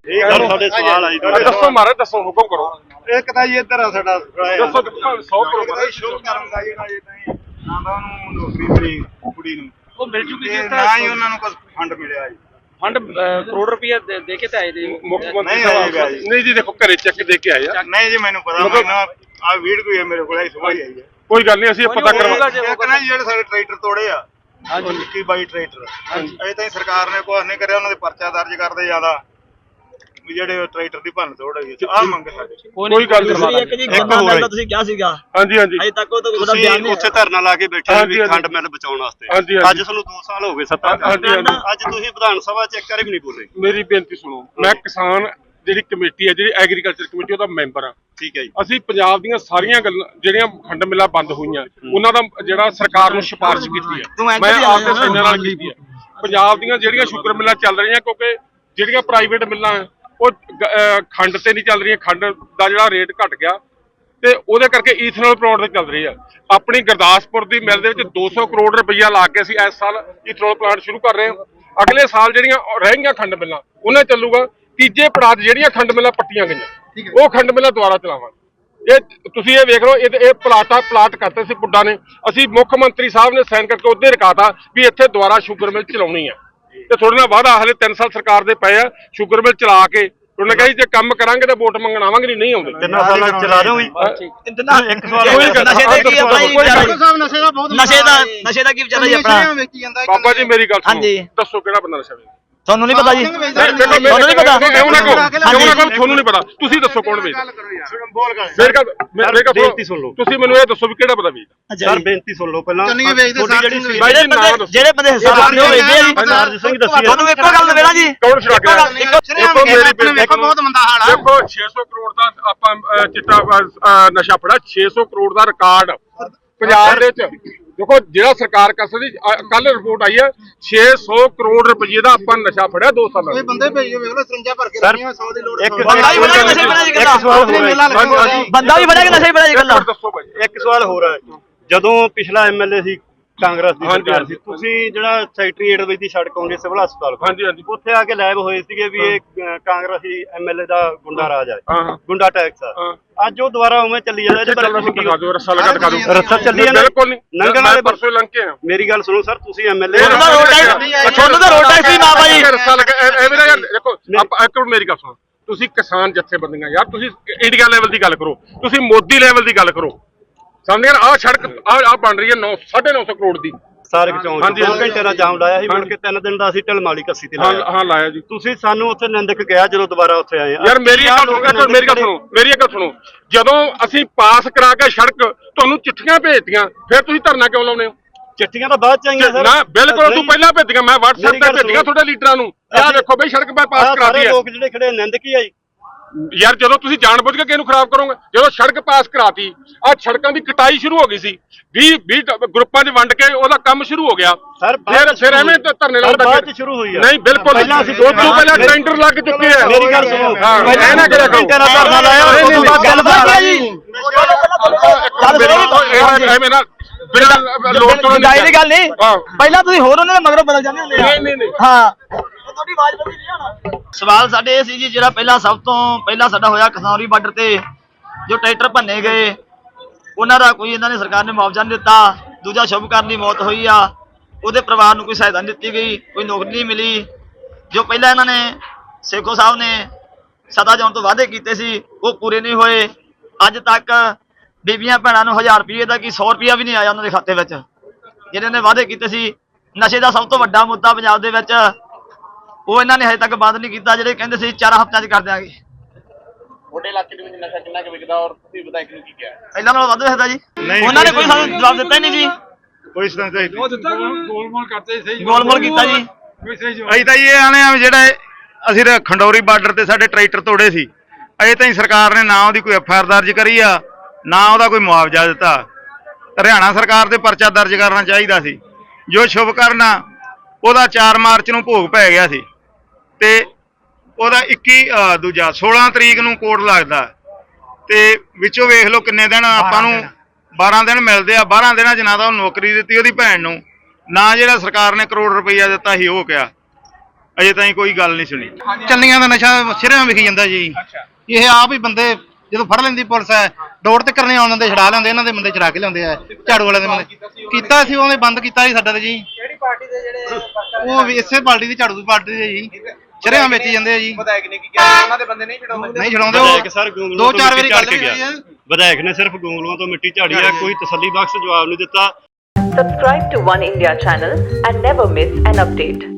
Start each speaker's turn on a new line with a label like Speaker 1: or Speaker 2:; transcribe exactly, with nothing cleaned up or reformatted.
Speaker 1: ਇਹ ਗੱਲ ਸਾਡੇ ਸਵਾਲ ਆਈ
Speaker 2: ਦੱਸੋ ਮਾਰੇ ਦੱਸੋ ਹੁਕਮ ਕਰੋ।
Speaker 1: ਇੱਕ ਤਾਂ ਜੀ ਇੱਧਰ ਆ ਸਾਡਾ
Speaker 2: ਦੱਸੋ ਸੌ ਕਰੋ
Speaker 1: ਸ਼ੁਰੂ ਕਰਨ ਦਾ ਜਿਹੜਾ ਇਹ ਤਾਂ ਨਾ ਤਾਂ ਉਹਨੂੰ ਨੌਕਰੀ ਮਿਲੀ ਕੁੜੀ ਨੂੰ
Speaker 3: ਉਹ ਮਿਲ ਚੁੱਕੀ
Speaker 1: ਤੇ
Speaker 3: ਜੀ
Speaker 1: ਨਾ ਹੀ ਉਹਨਾਂ ਨੂੰ ਕੋਈ ਫੰਡ ਮਿਲਿਆ ਜੀ।
Speaker 3: ਫੰਡ ਕਰੋੜ ਰੁਪਇਆ ਦੇ ਕੇ ਤਾਂ ਆਏ ਜੀ
Speaker 2: ਮੁੱਖ ਮੰਤਰੀ ਸਾਹਿਬ ਨਹੀਂ ਜੀ ਦੇਖੋ ਘਰੇ ਚੈੱਕ ਦੇ ਕੇ ਆਏ ਆ।
Speaker 1: ਨਹੀਂ ਜੀ ਮੈਨੂੰ ਪਤਾ ਮੈਨੂੰ ਆ ਵੀਡੀਓ ਹੈ ਮੇਰੇ ਕੋਲ ਆਈ ਸੁਬਾਹ ਹੀ ਆਈ ਹੈ।
Speaker 2: ਕੋਈ ਗੱਲ ਨਹੀਂ ਅਸੀਂ ਪਤਾ ਕਰਵਾ
Speaker 1: ਇੱਕ ਨਾ ਜਿਹੜੇ ਸਾਡੇ ਟਰੈਕਟਰ ਤੋੜੇ ਆ ਇੱਕੀ ਬਾਈ ਟਰੈਕਟਰ ਅਜੇ ਤਾਈਂ ਸਰਕਾਰ ਨੇ ਕੁਛ ਨਹੀਂ ਕਰਿਆ। ਉਹਨਾਂ ਦੇ ਪਰਚਾ ਦਰਜ ਕਰਦੇ ਜ਼ਿਆਦਾ ਜਿਹੜੇ ਟਰੈਕਟਰ ਦੀ ਭੰਨ ਤੋੜ ਹੋਈ ਆ ਮੰਗ ਸਾਡੇ
Speaker 2: ਕੋਈ ਗੱਲ ਨਹੀਂ।
Speaker 4: ਇੱਕ ਜੀ ਗੰਨਾ ਮਿਲ ਦਾ ਤੁਸੀਂ ਕਿਹਾ ਸੀਗਾ
Speaker 2: ਹਾਂਜੀ ਹਾਂਜੀ
Speaker 4: ਅਜੇ ਤੱਕ ਉਹ ਤਾਂ ਉਹਦਾ ਬਿਆਨ ਨਹੀਂ
Speaker 1: ਉੱਥੇ ਧਰਨਾ ਲਾ ਕੇ ਬੈਠੇ ਵੀ ਖੰਡ ਮਿਲ ਬਚਾਉਣ ਵਾਸਤੇ। ਅੱਜ ਸਾਨੂੰ ਦੋ ਸਾਲ ਹੋ ਗਏ ਸੱਤਾ ਅੱਜ ਤੁਸੀਂ ਵਿਧਾਨ ਸਭਾ ਚ ਇੱਕ ਵਾਰੀ ਵੀ ਨਹੀਂ ਬੋਲੇ।
Speaker 2: ਮੇਰੀ ਬੇਨਤੀ ਸੁਣੋ। ਮੈਂ ਕਿਸਾਨ ਜਿਹੜੀ ਕਮੇਟੀ ਹੈ ਜਿਹੜੀ ਐਗਰੀਕਲਚਰ ਕਮੇਟੀ ਉਹਦਾ ਮੈਂਬਰ ਆ।
Speaker 1: ਠੀਕ ਹੈ ਜੀ।
Speaker 2: ਅਸੀਂ ਪੰਜਾਬ ਦੀਆਂ ਸਾਰੀਆਂ ਗੱਲਾਂ ਜਿਹੜੀਆਂ ਖੰਡ ਮਿੱਲਾਂ ਬੰਦ ਹੋਈਆਂ ਉਹਨਾਂ ਦਾ ਜਿਹੜਾ ਸਰਕਾਰ ਨੂੰ ਸਿਫਾਰਿਸ਼ ਕੀਤੀ ਹੈ ਮੈਂ ਆਪਦੇ ਸੈਨਾਂ ਨਾਲ ਕੀਤੀ ਹੈ। ਪੰਜਾਬ ਦੀਆਂ ਜਿਹੜੀਆਂ ਸ਼ੂਗਰ ਮਿੱਲਾਂ ਚੱਲ ਰਹੀਆਂ ਕਿਉਂਕਿ ਜਿਹੜੀਆਂ ਪ੍ਰਾਈਵੇਟ ਮਿੱਲਾਂ ਉਹ ਖੰਡ ਤੇ ਨਹੀਂ ਚੱਲ ਰਹੀਆਂ। ਖੰਡ ਦਾ ਜਿਹੜਾ ਰੇਟ ਘਟ ਗਿਆ ਤੇ ਉਹਦੇ ਕਰਕੇ ਈਥਨੋਲ ਪਲਾਂਟ ਤੇ ਚੱਲ ਰਹੀ ਆ। ਆਪਣੀ ਗੁਰਦਾਸਪੁਰ ਦੀ ਮਿਲ ਦੇ ਵਿੱਚ ਦੋ ਸੌ ਕਰੋੜ ਰੁਪਈਆ ਲਾ ਕੇ ਅਸੀਂ ਇਸ ਸਾਲ ਈਥਨੋਲ ਪਲਾਂਟ ਸ਼ੁਰੂ ਕਰ ਰਹੇ ਹਾਂ। ਅਗਲੇ ਸਾਲ ਜਿਹੜੀਆਂ ਰਹਿ ਗਈਆਂ ਖੰਡ ਮਿੱਲਾਂ ਉਹਨਾਂ ਚੱਲੂਗਾ। ਤੀਜੇ ਪੜਾਅ ਜਿਹੜੀਆਂ ਖੰਡ ਮਿੱਲਾਂ ਪੱਟੀਆਂ ਗਈਆਂ ਉਹ ਖੰਡ ਮਿੱਲਾਂ ਦੁਬਾਰਾ ਚਲਾਵਾਂਗੇ। ਇਹ ਤੁਸੀਂ ਇਹ ਵੇਖ ਲਓ ਇਹ ਇਹ ਪਲਾਟਾ ਪਲਾਟ ਕਰਤੇ ਸੀ ਪੁੱਡਾ ਨੇ। ਅਸੀਂ ਮੁੱਖ ਮੰਤਰੀ ਸਾਹਿਬ ਨੇ ਸਾਈਨ ਕਰਕੇ ਉਹਦੇ ਰਕਾਤਾ ਵੀ ਇੱਥੇ ਦੁਬਾਰਾ ਸ਼ੂਗਰ ਮਿਲ ਚਲਾਉਣੀ ਆ ਤੇ ਥੋੜੇ ਨਾਲ ਵਾਅਦਾ ਹਲੇ ਤਿੰਨ ਸਾਲ ਸਰਕਾਰ ਦੇ ਪਏ ਆ ਸ਼ੂਗਰ ਮਿਲ ਚਲਾ ਕੇ ਉਹਨੇ ਕਹੀ ਜੇ ਕੰਮ ਕਰਾਂਗੇ ਤਾਂ ਵੋਟ ਮੰਗਣ ਆਵਾਂਗੇ ਨਹੀਂ ਨਹੀਂ ਆਉਂਦੇ।
Speaker 1: ਤਿੰਨਾਂ ਸਾਲਾਂ ਚਲਾ ਰਹੇ ਹੋ ਜੀ।
Speaker 4: ਇੱਕ ਸਵਾਲ ਨਸ਼ੇ ਦਾ ਕੀ ਆਪਣਾ ਨਸ਼ੇ ਦਾ ਬਹੁਤ ਨਸ਼ੇ ਦਾ ਨਸ਼ੇ ਦਾ ਕੀ ਵਿਚਾਰਾ ਜੀ ਆਪਣਾ
Speaker 2: ਬਾਬਾ ਜੀ ਮੇਰੀ ਗੱਲ ਸੁਣੋ ਦੱਸੋ ਕਿਹੜਾ ਬੰਦਾ ਨਸ਼ਾ ਵੇਚਦਾ
Speaker 4: ਤੁਹਾਨੂੰ ਨਹੀਂ ਪਤਾ ਜੀ
Speaker 2: ਤੁਹਾਨੂੰ ਨਹੀਂ ਪਤਾ ਕਿਉਂ ਨਾ ਕਹੋ ਕਿਉਂ ਨਾ ਕਹੋ ਤੁਹਾਨੂੰ ਨਹੀਂ ਪਤਾ ਤੁਸੀਂ ਦੱਸੋ ਕੌਣ ਵੇਚਦਾ। ਮੇਰੇ ਗੱਲ ਮੇਰੇ ਗੱਲ ਬੇਨਤੀ ਸੁਣ ਲਓ। ਤੁਸੀਂ ਮੈਨੂੰ ਇਹ ਦੱਸੋ ਵੀ ਕਿਹੜਾ ਬੰਦਾ ਵੇਚਦਾ।
Speaker 1: ਸਰ ਬੇਨਤੀ ਸੁਣ ਲਓ ਪਹਿਲਾਂ
Speaker 4: ਜਿਹੜੇ ਬੰਦੇ ਹਿਸਾਬ ਨਹੀਂ ਹੋਏ ਜੀ
Speaker 1: ਸਰਦਾਰ ਸਿੰਘ ਦੱਸੀ
Speaker 4: ਤੁਹਾਨੂੰ ਇੱਕੋ ਗੱਲ ਦੇਣਾ ਜੀ
Speaker 2: ਕੌਣ ਛੜਾ ਕੇ
Speaker 4: ਦੇਖੋ
Speaker 2: ਮੇਰੀ ਵੇਖੋ ਬਹੁਤ ਮੰਦਾ ਹਾਲ ਆ। ਦੇਖੋ ਛੇ ਸੌ ਕਰੋੜ ਦਾ ਆਪਾਂ ਚਿੱਟਾ ਨਸ਼ਾ ਫੜਾ ਛੇ ਸੌ ਕਰੋੜ ਦਾ ਰਿਕਾਰਡ ਪੰਜਾਬ ਦੇ ਵਿੱਚ। ਦੇਖੋ ਜਿਹੜਾ ਸਰਕਾਰ ਕਸਦੀ ਕੱਲ ਰਿਪੋਰਟ ਆਈ ਹੈ ਛੇ ਸੌ ਕਰੋੜ ਰੁਪਏ ਦਾ ਆਪਾਂ ਨਸ਼ਾ ਫੜਿਆ ਦੋ ਸਾਲਾਂ ਵਿੱਚ।
Speaker 1: ਬੰਦੇ ਭੇਜੋ ਵੇਖ ਲਓ ਸਿੰਜਾ ਭਰ ਕੇ ਰੱਖੀਆਂ ਸੌ ਦੀ ਲੋੜ।
Speaker 4: ਇੱਕ ਸਵਾਲ ਬੰਦਾ ਵੀ ਫੜਿਆ ਕਿ ਨਸ਼ਾ ਹੀ ਫੜਿਆ ਜੀ ਗੱਲਾਂ
Speaker 2: ਦੱਸੋ ਭਾਈ।
Speaker 1: ਇੱਕ ਸਵਾਲ ਹੋਰ ਹੈ ਜਦੋਂ ਪਿਛਲਾ ਐਮਐਲਏ ਸੀ ਕਾਂਗਰਸ ਦੀ ਸਰਕਾਰ ਸੀ ਤੁਸੀਂ ਜਿਹੜਾ ਸੈਕਟਰੀਏਟ ਵਿੱਚ ਦੀ ਸੜਕ ਆਉਂਦੀ ਸਿਵਲ ਹਸਪਤਾਲ
Speaker 2: ਹਾਂਜੀ ਹਾਂਜੀ
Speaker 1: ਉੱਥੇ ਆ ਕੇ ਲਾਈਵ ਹੋਏ ਸੀਗੇ ਵੀ ਇਹ ਕਾਂਗਰਸੀ ਐਮਐਲਏ ਦਾ ਗੁੰਡਾ ਰਾਜ ਹੈ ਗੁੰਡਾ ਟੈਕਸ ਆ। ਅੱਜ ਉਹ ਦੁਬਾਰਾ ਉਵੇਂ ਚੱਲੀ ਜਾਂਦਾ ਇਹਦੇ ਬਾਰੇ ਤੁਸੀਂ
Speaker 2: ਦਿਖਾ ਦਿਓ ਰੱਸਾ ਲਗਾ ਦਿਖਾ ਦਿਓ
Speaker 1: ਰੱਸਾ ਚੱਲੀ ਜਾਂਦਾ
Speaker 2: ਬਿਲਕੁਲ ਨਹੀਂ
Speaker 1: ਨੰਗਲ ਵਾਲੇ
Speaker 2: ਪਰਸੋਂ ਲੰਘ ਕੇ ਆ।
Speaker 1: ਮੇਰੀ ਗੱਲ ਸੁਣੋ ਸਰ ਤੁਸੀਂ ਐਮਐਲਏ
Speaker 4: ਤੁਹਾਨੂੰ ਤਾਂ ਰੋਡ ਟੈਕਸ ਹੀ ਨਾ ਭਾਈ
Speaker 2: ਰੱਸਾ ਲਗਾ ਐਵੇਂ ਨਾ ਯਾਰ ਦੇਖੋ ਆਪਾਂ ਇੱਕ ਮਿੰਟ ਮੇਰੀ ਗੱਲ ਸੁਣੋ। ਤੁਸੀਂ ਕਿਸਾਨ ਜਥੇਬੰਦੀਆਂ ਯਾਰ ਤੁਸੀਂ ਇੰਡੀਆ ਲੈਵਲ ਦੀ ਗੱਲ ਕਰੋ ਤੁਸੀਂ ਮੋਦੀ ਲੈਵਲ ਦੀ ਗੱਲ ਕਰੋ ਸਮਝ ਆਹ ਸੜਕ ਆਹ ਬਣ ਰਹੀ ਹੈ ਨੌ ਸਾਢੇ ਨੌ ਸੌ ਕਰੋੜ ਦੀ
Speaker 1: ਸਾਰਕ ਚੌਂਕ ਦੋ ਘੰਟੇ ਦਾ ਜਾਮ ਲਾਇਆ ਸੀ ਮੁੜ ਕੇ ਤਿੰਨ ਦਿਨ ਦਾ ਅਸੀਂ ਢਲਮਾਲੀ ਕੱਸੀ ਤੇ ਲਾਇਆ।
Speaker 2: ਹਾਂ ਲਾਇਆ ਜੀ।
Speaker 1: ਤੁਸੀਂ ਸਾਨੂੰ ਉੱਥੇ ਨਿੰਦਕ ਗਿਆ ਜਦੋਂ ਦੁਬਾਰਾ ਉੱਥੇ ਆਏ
Speaker 2: ਯਾਰ ਮੇਰੀ ਗੱਲ ਸੁਣੋ ਮੇਰੀ ਗੱਲ ਸੁਣੋ ਮੇਰੀ ਗੱਲ ਸੁਣੋ ਜਦੋਂ ਅਸੀਂ ਪਾਸ ਕਰਾ ਕੇ ਸੜਕ ਤੁਹਾਨੂੰ ਚਿੱਠੀਆਂ ਭੇਜਤੀਆਂ ਫਿਰ ਤੁਸੀਂ ਧਰਨਾ ਕਿਉਂ ਲਾਉਂਦੇ ਹੋ।
Speaker 1: ਚਿੱਠੀਆਂ ਤਾਂ ਬਾਅਦ ਚ ਆਈਆਂ ਸਰ।
Speaker 2: ਨਾ ਬਿਲਕੁਲ ਤੂੰ ਪਹਿਲਾਂ ਭੇਜੀਆਂ ਮੈਂ WhatsApp ਤੇ ਭੇਜੀਆਂ ਤੁਹਾਡੇ ਲੀਡਰਾਂ ਨੂੰ ਆਹ ਦੇਖੋ ਬਈ ਸੜਕ ਪਾਸ ਕਰਾਤੀ ਹੈ।
Speaker 1: ਲੋਕ ਜਿਹੜੇ ਖੜੇ ਨਿੰਦਕ ਹੀ ਆਈ
Speaker 2: ਯਾਰ ਜਦੋਂ ਤੁਸੀਂ ਜਾਣਬੁੱਝ ਕੇ ਕਿਹਨੂੰ ਖਰਾਬ ਕਰੋਗੇ ਜਦੋਂ ਸੜਕ ਪਾਸ ਕਰਾਤੀ ਆ ਸੜਕਾਂ ਦੀ ਕਟਾਈ ਸ਼ੁਰੂ ਹੋ ਗਈ ਸੀ ਵੀਹ ਵੀਹ ਗਰੁੱਪਾਂ 'ਚ ਵੰਡ ਕੇ ਉਹਦਾ ਕੰਮ ਸ਼ੁਰੂ ਹੋ ਗਿਆ ਫਿਰ ਫਿਰ ਐਵੇਂ ਧਰਨੇ ਲਾਉਂਦਾ
Speaker 1: ਬਾਅਦ 'ਚ ਸ਼ੁਰੂ ਹੋਈ ਆ।
Speaker 2: ਨਹੀਂ ਬਿਲਕੁਲ
Speaker 1: ਪਹਿਲਾਂ ਅਸੀਂ
Speaker 2: ਦੋ ਤੋਂ ਪਹਿਲਾਂ ਟੈਂਡਰ ਲੱਗ ਚੁੱਕੇ ਆ।
Speaker 1: ਮੇਰੀ ਗੱਲ ਸੁਣੋ
Speaker 2: ਇਹ ਨਾ ਕਰਿਆ ਕਰੋ
Speaker 1: ਧਰਨਾ ਲਾਇਆ ਉਸ ਤੋਂ ਬਾਅਦ ਗੱਲ ਬਾਤ ਜੀ
Speaker 2: ਐਵੇਂ ਨਾ ਬਿਨਾਂ ਲੋੜ ਤੋਂ
Speaker 4: ਦੀ ਗੱਲ ਨਹੀਂ ਪਹਿਲਾਂ ਤੁਸੀਂ ਹੋਰ ਉਹਨਾਂ ਦੇ ਮਗਰੋਂ ਬਦਲ ਜਾਂਦੇ ਹੁੰਦੇ
Speaker 2: ਨਹੀਂ ਨਹੀਂ ਨਹੀਂ
Speaker 4: ਹਾਂ ਤੁਹਾਡੀ ਆਵਾਜ਼ ਬਦਲੀ ਨਹੀਂ ਹੋਣਾ। ਸਵਾਲ ਸਾਡੇ ਇਹ ਸੀ ਜੀ ਜਿਹੜਾ ਪਹਿਲਾਂ ਸਭ ਤੋਂ ਪਹਿਲਾਂ ਸਾਡਾ ਹੋਇਆ ਖਨੌਰੀ ਬਾਰਡਰ ਤੇ ਜੋ ਟਰੈਕਟਰ ਭੰਨੇ ਗਏ ਉਹਨਾਂ ਦਾ ਕੋਈ ਇਹਨਾਂ ਨੇ ਸਰਕਾਰ ਨੇ ਮੁਆਵਜ਼ਾ ਨਹੀਂ ਦਿੱਤਾ। ਦੂਜਾ ਸ਼ੁਭਕਰਨ ਦੀ ਮੌਤ ਹੋਈ ਆ ਉਹਦੇ ਪਰਿਵਾਰ ਨੂੰ ਕੋਈ ਸਹਾਇਤਾ ਨਹੀਂ ਦਿੱਤੀ ਗਈ ਕੋਈ ਨੌਕਰੀ ਨਹੀਂ ਮਿਲੀ। ਜੋ ਪਹਿਲਾਂ ਇਹਨਾਂ ਨੇ ਸੇਖੋ ਸਾਹਿਬ ਨੇ ਸਦਾ ਜਾਣ ਤੋਂ ਵਾਅਦੇ ਕੀਤੇ ਸੀ ਉਹ ਪੂਰੇ ਨਹੀਂ ਹੋਏ। ਅੱਜ ਤੱਕ ਬੀਬੀਆਂ ਭੈਣਾਂ ਨੂੰ ਹਜ਼ਾਰ ਰੁਪਏ ਦਾ ਕੀ ਸੌ ਰੁਪਇਆ ਵੀ ਨਹੀਂ ਆਇਆ ਉਹਨਾਂ ਦੇ ਖਾਤੇ ਵਿੱਚ ਜਿਹੜੇ ਨੇ ਵਾਅਦੇ ਕੀਤੇ ਸੀ। ਨਸ਼ੇ ਦਾ ਸਭ ਤੋਂ ਵੱਡਾ ਮੁੱਦਾ ਪੰਜਾਬ ਦੇ ਵਿੱਚ ਉਹ ਇਹਨਾਂ ਨੇ ਹਜੇ ਤੱਕ ਬੰਦ ਨਹੀਂ ਕੀਤਾ। ਜਿਹੜੇ ਕਹਿੰਦੇ ਸੀ ਚਾਰ ਹਫ਼ਤਿਆਂ 'ਚ ਕਰ ਦਿਆਂਗੇ।
Speaker 3: ਤੁਹਾਡੇ ਇਲਾਕੇ ਦੇ ਵਿੱਚ ਨਸ਼ਾ ਕਿੰਨਾ ਕੁ ਵਿਕਦਾ ਔਰ ਤੁਸੀਂ ਵਿਧਾਇਕ ਨੂੰ ਕੀ ਕਿਹਾ
Speaker 4: ਪਹਿਲਾਂ ਨਾਲੋਂ ਵੱਧ ਵਿਕਦਾ ਜੀ। ਉਹਨਾਂ ਨੇ ਕੋਈ ਸਾਨੂੰ ਜਵਾਬ ਦਿੱਤਾ ਹੀ ਨਹੀਂ ਜੀ।
Speaker 1: ਕੋਈ ਸਦਾ ਚਾਹੀਦਾ
Speaker 2: ਉਹ ਦਿੱਤਾ ਗੋਲਮੋਲ ਕਰਦੇ ਸਹੀ
Speaker 4: ਗੋਲਮੋਲ ਕੀਤਾ ਜੀ।
Speaker 1: ਅਸੀਂ ਤਾਂ ਇਹ ਆਣੇ ਆ ਜਿਹੜਾ ਅਸੀਂ ਤਾਂ ਖੰਡੌਰੀ ਬਾਰਡਰ ਤੇ ਸਾਡੇ ਟਰੈਕਟਰ ਤੋੜੇ ਸੀ ਅਜੇ ਤਾਈਂ ਸਰਕਾਰ ਨੇ ਨਾ ਉਹਦੀ ਕੋਈ ਐਫ ਆਈ ਆਰ ਦਰਜ ਕਰੀ ਆ ਨਾ ਉਹਦਾ ਕੋਈ ਮੁਆਵਜ਼ਾ ਦਿੱਤਾ। ਹਰਿਆਣਾ ਸਰਕਾਰ ਤੇ ਪਰਚਾ ਦਰਜ ਕਰਨਾ ਚਾਹੀਦਾ ਸੀ। ਜੋ ਸ਼ੁਭ ਕਰਨਾ ਉਹਦਾ ਚਾਰ ਮਾਰਚ ਨੂੰ ਭੋਗ ਪੈ ਗਿਆ ਸੀ ਤੇ ਉਹਦਾ ਇੱਕੀ ਦੂਜਾ ਸੋਲਾਂ ਤਰੀਕ ਨੂੰ ਕੋਰਟ ਲੱਗਦਾ ਤੇ ਵਿੱਚੋਂ ਵੇਖ ਲਓ ਕਿੰਨੇ ਦਿਨ ਆਪਾਂ ਨੂੰ ਬਾਰਾਂ ਦਿਨ ਮਿਲਦੇ ਆ। ਬਾਰਾਂ ਦਿਨਾਂ 'ਚ ਨਾ ਤਾਂ ਉਹ ਨੌਕਰੀ ਦਿੱਤੀ ਉਹਦੀ ਭੈਣ ਨੂੰ ਨਾ ਜਿਹੜਾ ਸਰਕਾਰ ਨੇ ਕਰੋੜ ਰੁਪਈਆ ਦਿੱਤਾ ਸੀ ਉਹ ਕਿਹਾ ਅਜੇ ਤਾਈਂ ਕੋਈ ਗੱਲ ਨਹੀਂ ਸੁਣੀ।
Speaker 5: ਚੰਨੀਆਂ ਦਾ ਨਸ਼ਾ ਸਿਰਿਆਂ ਵਿਖੀ ਜਾਂਦਾ ਜੀ। ਇਹ ਆਪ ਹੀ ਬੰਦੇ ਜਦੋਂ ਫੜ ਲੈਂਦੀ ਪੁਲਿਸ ਹੈ ਡੋਰ ਤੇ ਕਰਨੇ ਆਉਣ ਦਿੰਦੇ, ਛਡਾ ਲੈਂਦੇ, ਇਹਨਾਂ ਦੇ ਬੰਦੇ ਚੜਾ ਕੇ ਲਿਆਉਂਦੇ ਆ ਝਾੜੂ ਵਾਲੇ ਦੇ ਬੰਦੇ। ਕੀਤਾ ਸੀ ਉਹਨੇ ਬੰਦ ਕੀਤਾ ਸੀ ਸਾਡਾ ਤੇ ਜੀ।
Speaker 6: ਕਿਹੜੀ ਪਾਰਟੀ ਦੇ ਜਿਹੜੇ
Speaker 5: ਉਹ ਵੀ ਇਸੇ ਪਾਰਟੀ ਦੀ, ਝਾੜੂ ਦੀ ਪਾਰਟੀ ਦੇ ਜੀ। ਸਿਰਿਆਂ ਵੇਚੀ ਜਾਂਦੇ ਆ ਜੀ।
Speaker 6: ਵਿਧਾਇਕ ਨੇ ਕੀ ਕਿਹਾ ਉਹਨਾਂ ਦੇ ਬੰਦੇ ਨਹੀਂ ਛਡਾਉਂਦੇ?
Speaker 5: ਨਹੀਂ ਛਡਾਉਂਦੇ
Speaker 7: ਵਿਧਾਇਕ
Speaker 5: ਉਹ
Speaker 7: ਸਰ ਗੋਂਗਲੂਆਂ
Speaker 5: ਦੋ
Speaker 7: ਤੋਂ
Speaker 5: ਚਾਰ ਵਾਰੀ
Speaker 7: ਮਿੱਟੀ
Speaker 5: ਗੱਲ
Speaker 7: ਝਾੜ ਕੇ
Speaker 5: ਵੀ ਹੋਈ
Speaker 7: ਗਿਆ।
Speaker 5: ਹੈ।
Speaker 7: ਵਿਧਾਇਕ ਨੇ ਸਿਰਫ ਗੋਂਗਲੂਆਂ ਤੋਂ ਮਿੱਟੀ ਝਾੜੀ ਹੈ, ਕੋਈ ਤਸੱਲੀ ਬਖਸ਼ ਜਵਾਬ ਨਹੀਂ ਦਿੱਤਾ।
Speaker 8: Subscribe to One India channel and never miss an update.